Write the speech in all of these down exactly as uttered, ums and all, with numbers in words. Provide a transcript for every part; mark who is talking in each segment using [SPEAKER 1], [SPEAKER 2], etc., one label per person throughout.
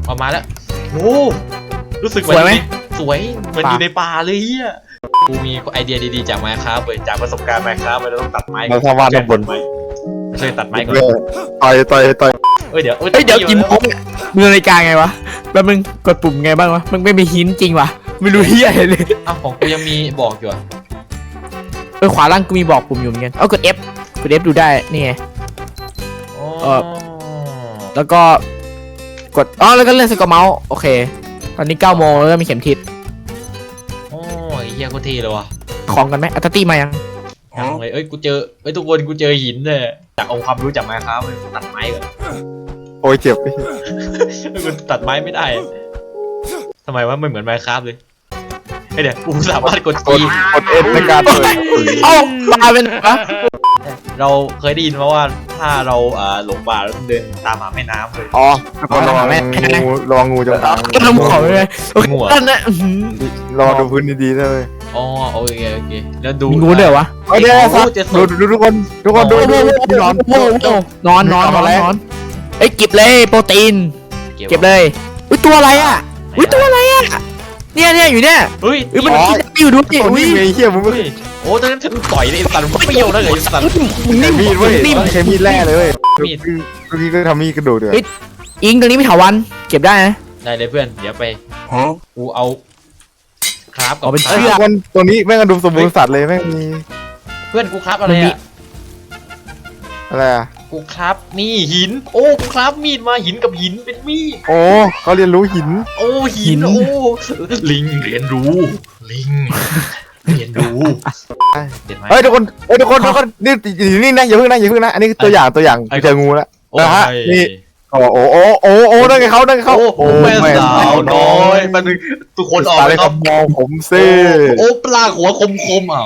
[SPEAKER 1] ออกมาแล้วโอ้รู้สึก
[SPEAKER 2] สวยไหม
[SPEAKER 1] สวยเหมือนอยู่ในป่าเลยเฮียกูมีไอเดียดีๆจากไมค์ครับเลยจากประสบการณ์ไมค์ครับเราต้องตัดไม้
[SPEAKER 3] เราทำวาดข้างบน
[SPEAKER 1] ช่วยตัดไม้ก่อน
[SPEAKER 3] ต่อยต่อยต่อย
[SPEAKER 1] เอ้ยเดี๋ยว
[SPEAKER 2] เฮ้ยเดี๋ยวกินปุ๊บมือนาฬิกาไงวะแล้วมึงกดปุ่มไงบ้างวะมึงไม่มีหินจริงวะไม่รู้เฮียอะไรเลย
[SPEAKER 1] อ้าวของกูยังมีบอกอยู่อะ
[SPEAKER 2] เออขวาล่างกูมีบอกปุ่มอยู่เหมือนกันเอากด F กด F ดูได้นี่ไง
[SPEAKER 1] อ๋อ
[SPEAKER 2] เออ แล้วก็กดอ๋อแล้วก็เล่นสกอร์เมาส์โอเคตอนนี้เก้าโมงแล้วก็มีเข็มทิศ
[SPEAKER 1] โอ้ยเฮียโคตรเท่เลยว่ะ
[SPEAKER 2] ของกันไหมอัตตี้มายัง
[SPEAKER 1] ยังเลยเอ้ยกูเจอเอ้ยทุกคนกูเจอหินเนี่ยจากองค์ความรู้จากไม้ครับเลยตัดไม้ก่อน
[SPEAKER 3] โอ้ยเจ็บ
[SPEAKER 1] กูตัดไม้ไม่ได้ทำไมวะไม่เหมือนไม้ครับเลยเฮ้ยเดี๋ยวกูสามารถกด
[SPEAKER 3] ก
[SPEAKER 1] จี
[SPEAKER 3] ดกดเอ็นในการเปิด
[SPEAKER 2] เอ้ามาเป็นวะ
[SPEAKER 1] เราเคยได้ยินมาว่าถ้าเราอ่าหลงป่าแล้วเดินตามหาแม่น้ำเลย
[SPEAKER 3] อ๋อระวังงูระวังงูจงอาง
[SPEAKER 2] ก็ทำของเลยโอเคนั่นนะ
[SPEAKER 3] รอดูพื้นดีๆเลย
[SPEAKER 1] อ๋อโอเคโอเคแล้วดู
[SPEAKER 2] มีงูด้วยวะ
[SPEAKER 3] โอเคครับดูดูทุกคนทุกคนดูดูนอน
[SPEAKER 2] โอ้โหนอนนอนนอนนอนเอ้ยเก็บเลยโปรตีนเก็บเลยอุ้ยตัวอะไรอ่ะอุ้ยตัวอะไรอ่ะเนี่ยเนี่ยอยู่เนี่ย
[SPEAKER 1] เฮ้ย
[SPEAKER 2] เอ้ยมันกินอยู่ดูดิ
[SPEAKER 3] ตัว
[SPEAKER 2] อุ้ย
[SPEAKER 3] นี้เฮียมึงไม่
[SPEAKER 1] เฮ้ยโอ้ตอนนั้นฉันต่อยเลยสัตว์มันเปรี้ยวนะเลยสัตว์
[SPEAKER 2] มึง
[SPEAKER 3] ใช้
[SPEAKER 2] นิ่ม
[SPEAKER 3] มีดเว้ย
[SPEAKER 2] นิ่ม
[SPEAKER 3] ใช้มีดแร่เลยเว้ย
[SPEAKER 1] มีด
[SPEAKER 3] เมื่อกี้ก็ทำมีดกระโดดเลย
[SPEAKER 2] อิงตรงนี้มีถาวันเก็บได้นะ
[SPEAKER 1] ได้เลยเพื่อนเดี๋ยวไปกูเอาครับกับ
[SPEAKER 3] เฮ้ยทุกคนตัวนี้แม่งกระดูกสมบูรณ์สัตว์เลยแม่งมี
[SPEAKER 1] เพื่อนกูครับอะไรอ่ะ
[SPEAKER 3] อะไรอ่ะ
[SPEAKER 1] กูครับนี่หิน โอ้กูครับมีดมาหินกับหินเป็นมีด
[SPEAKER 3] โอ้เขาเรียนรู้หิน
[SPEAKER 1] โอ้หินโอ้ลิงเรียนรู้ลิงเรียนรู้เด็ดไหม
[SPEAKER 3] เฮ้ยทุกคนเฮ้ยทุกคนทุกคนนี่นี่นะอย่าเพิ่งนะอย่าเพิ่งนะอันนี้ตัวอย่างตัวอย่างเจองูแล้ว
[SPEAKER 1] โอ้
[SPEAKER 3] นะฮะ
[SPEAKER 1] ย
[SPEAKER 3] นี่โอ้โอ้โอ้โอ้โอ้นั่นไงเขานั่นไงเขา
[SPEAKER 1] โอ้แม่สาวน้อยมันทุกคนออก
[SPEAKER 3] ตา
[SPEAKER 1] ไป
[SPEAKER 3] เลย
[SPEAKER 1] ค
[SPEAKER 3] ค
[SPEAKER 1] รั
[SPEAKER 3] รั
[SPEAKER 1] บบ
[SPEAKER 3] มองผมซิ
[SPEAKER 1] โอ้ปลาหัวคมคมอ้าว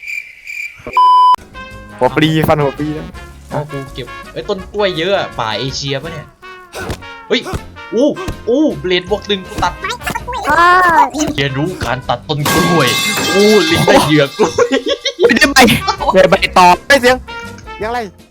[SPEAKER 3] หัวปลีฟันหัวปลีนะ
[SPEAKER 1] อ๋อกูเก็บไอ้ต้นกล้วยเยอะอะป่าเอเชียปะเนี่ยเฮ้ยอู้อู้เบลดบวกหนึ่งกูตัดเรียนรู้การตัดต้นกล้วยอู้ลิงได้เหยือกล้วย
[SPEAKER 2] ไม่ได้ใบได้ใบตอบ
[SPEAKER 3] ได้เสียงยังไร